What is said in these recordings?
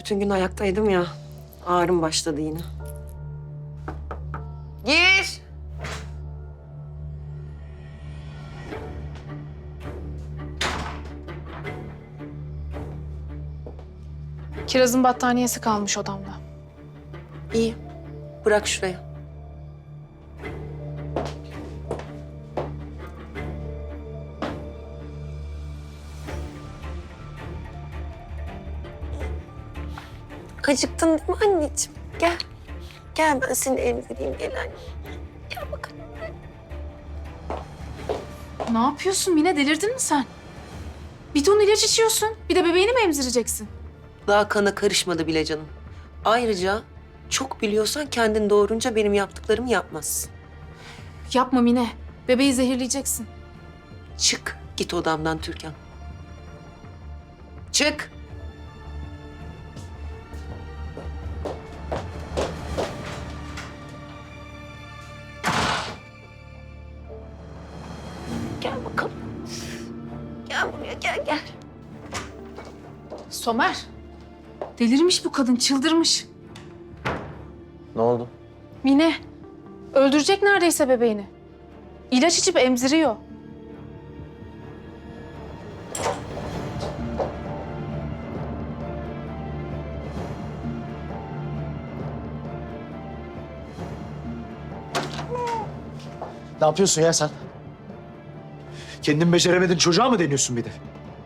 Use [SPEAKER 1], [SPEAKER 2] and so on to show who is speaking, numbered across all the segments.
[SPEAKER 1] Bütün gün ayaktaydım ya. Ağrım başladı yine. Gir.
[SPEAKER 2] Kiraz'ın battaniyesi kalmış odamda.
[SPEAKER 1] İyi. Bırak şuraya. Acıktın değil mi anneciğim? Gel. Gel ben seni emzireyim. Gel anne. Gel bakalım.
[SPEAKER 2] Ne yapıyorsun Mine? Delirdin mi sen? Bir ton ilaç içiyorsun. Bir de bebeğini mi emzireceksin?
[SPEAKER 1] Daha kana karışmadı bile canım. Ayrıca çok biliyorsan kendin doğurunca benim yaptıklarımı yapmazsın.
[SPEAKER 2] Yapma Mine. Bebeği zehirleyeceksin.
[SPEAKER 1] Çık git odamdan Türkan. Çık. Gel bakalım. Gel buraya gel.
[SPEAKER 2] Somer. Delirmiş bu kadın. Çıldırmış.
[SPEAKER 3] Ne oldu?
[SPEAKER 2] Mine. Öldürecek neredeyse bebeğini. İlaç içip emziriyor.
[SPEAKER 3] Ne yapıyorsun ya sen? Kendin beceremedin, çocuğa mı deniyorsun bir de?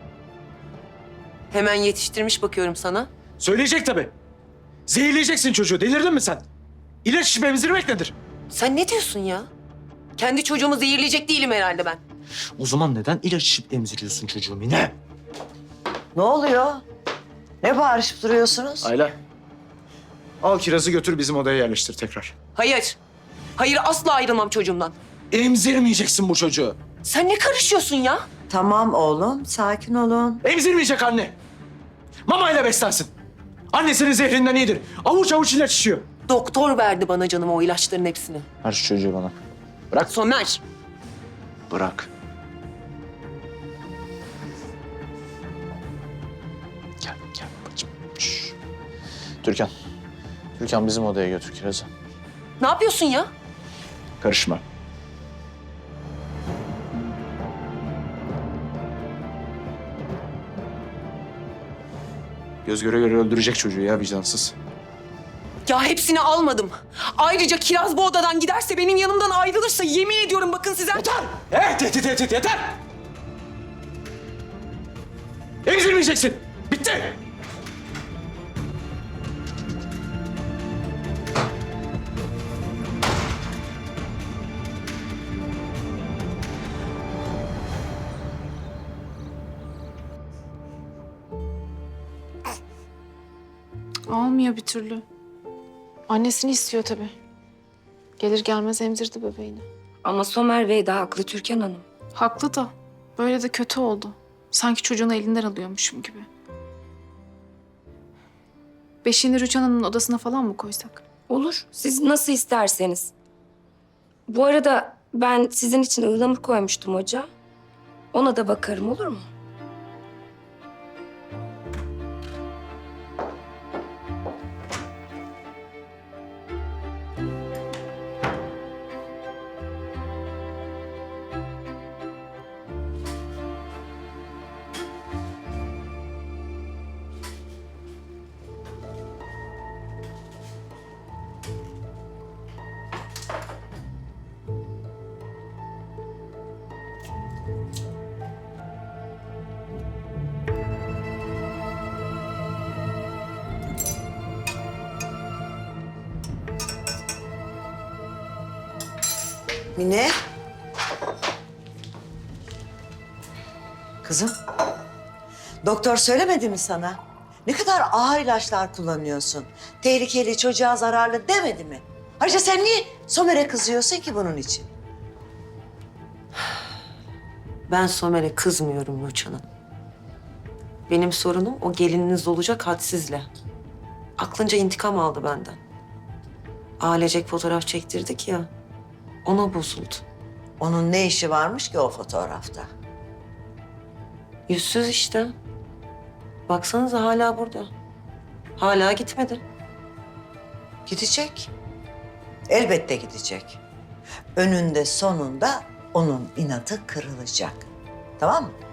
[SPEAKER 1] Hemen yetiştirmiş bakıyorum sana.
[SPEAKER 3] Söyleyecek tabii. Zehirleyeceksin çocuğu, delirdin mi sen? İlaç içip emzirmek nedir?
[SPEAKER 1] Sen ne diyorsun ya? Kendi çocuğumu zehirleyecek değilim herhalde ben.
[SPEAKER 3] O zaman neden ilaç içip emziriyorsun çocuğu Mine?
[SPEAKER 4] Ne oluyor? Ne bağırışıp duruyorsunuz?
[SPEAKER 3] Ayla. Al kirazı götür bizim odaya yerleştir tekrar.
[SPEAKER 1] Hayır. Hayır asla ayrılmam çocuğumdan.
[SPEAKER 3] Emzirmeyeceksin bu çocuğu.
[SPEAKER 1] Sen ne karışıyorsun ya?
[SPEAKER 4] Tamam oğlum, sakin olun.
[SPEAKER 3] Emzirmeyecek anne. Mamayla beslensin. Annesinin zehrinden iyidir. Avuç avuç ilaç içiyor.
[SPEAKER 1] Doktor verdi bana canım o ilaçların hepsini.
[SPEAKER 3] Ver şu çocuğu bana. Bırak.
[SPEAKER 1] Somer.
[SPEAKER 3] Bırak. Gel babacığım. Şş. Türkan bizim odaya götür kirazı.
[SPEAKER 1] Ne yapıyorsun ya?
[SPEAKER 3] Karışma. Göz göre göre öldürecek çocuğu ya vicdansız.
[SPEAKER 1] Ya hepsini almadım. Ayrıca Kiraz bu odadan giderse benim yanımdan ayrılırsa yemin ediyorum bakın size.
[SPEAKER 3] Yeter! Tehdit yeter! Emzirmeyeceksin. Bitti.
[SPEAKER 2] Almıyor bir türlü. Annesini istiyor tabii. Gelir gelmez emzirdi bebeğini.
[SPEAKER 5] Ama Somer Bey de haklı Türkan Hanım.
[SPEAKER 2] Haklı da. Böyle de kötü oldu. Sanki çocuğunu elinden alıyormuşum gibi. Beşiğini Rüçhan Hanım'ın odasına falan mı koysak?
[SPEAKER 5] Olur, siz nasıl isterseniz. Bu arada ben sizin için ıhlamur koymuştum ocağa. Ona da bakarım, olur mu?
[SPEAKER 4] Mine. Kızım. Doktor söylemedi mi sana? Ne kadar ağır ilaçlar kullanıyorsun. Tehlikeli, çocuğa zararlı demedi mi? Ayrıca sen niye Somer'e kızıyorsun ki bunun için?
[SPEAKER 1] Ben Somer'e kızmıyorum Rüçhan Hanım. Benim sorunum o gelininiz olacak hadsizle. Aklınca intikam aldı benden. Ailecek fotoğraf çektirdik ya. Ona bozuldu.
[SPEAKER 4] Onun ne işi varmış ki o fotoğrafta?
[SPEAKER 1] Yüzsüz işte. Baksanıza hala burada. Hala gitmedi.
[SPEAKER 4] Gidecek. Elbette gidecek. Önünde sonunda onun inadı kırılacak. Tamam mı?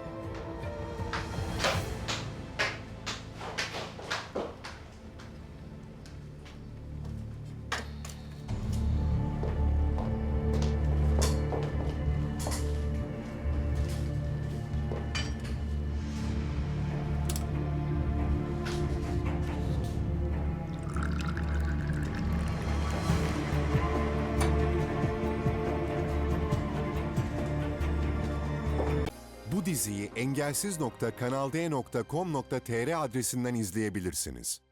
[SPEAKER 6] Bu diziyi engelsiz.kanalde.com.tr adresinden izleyebilirsiniz.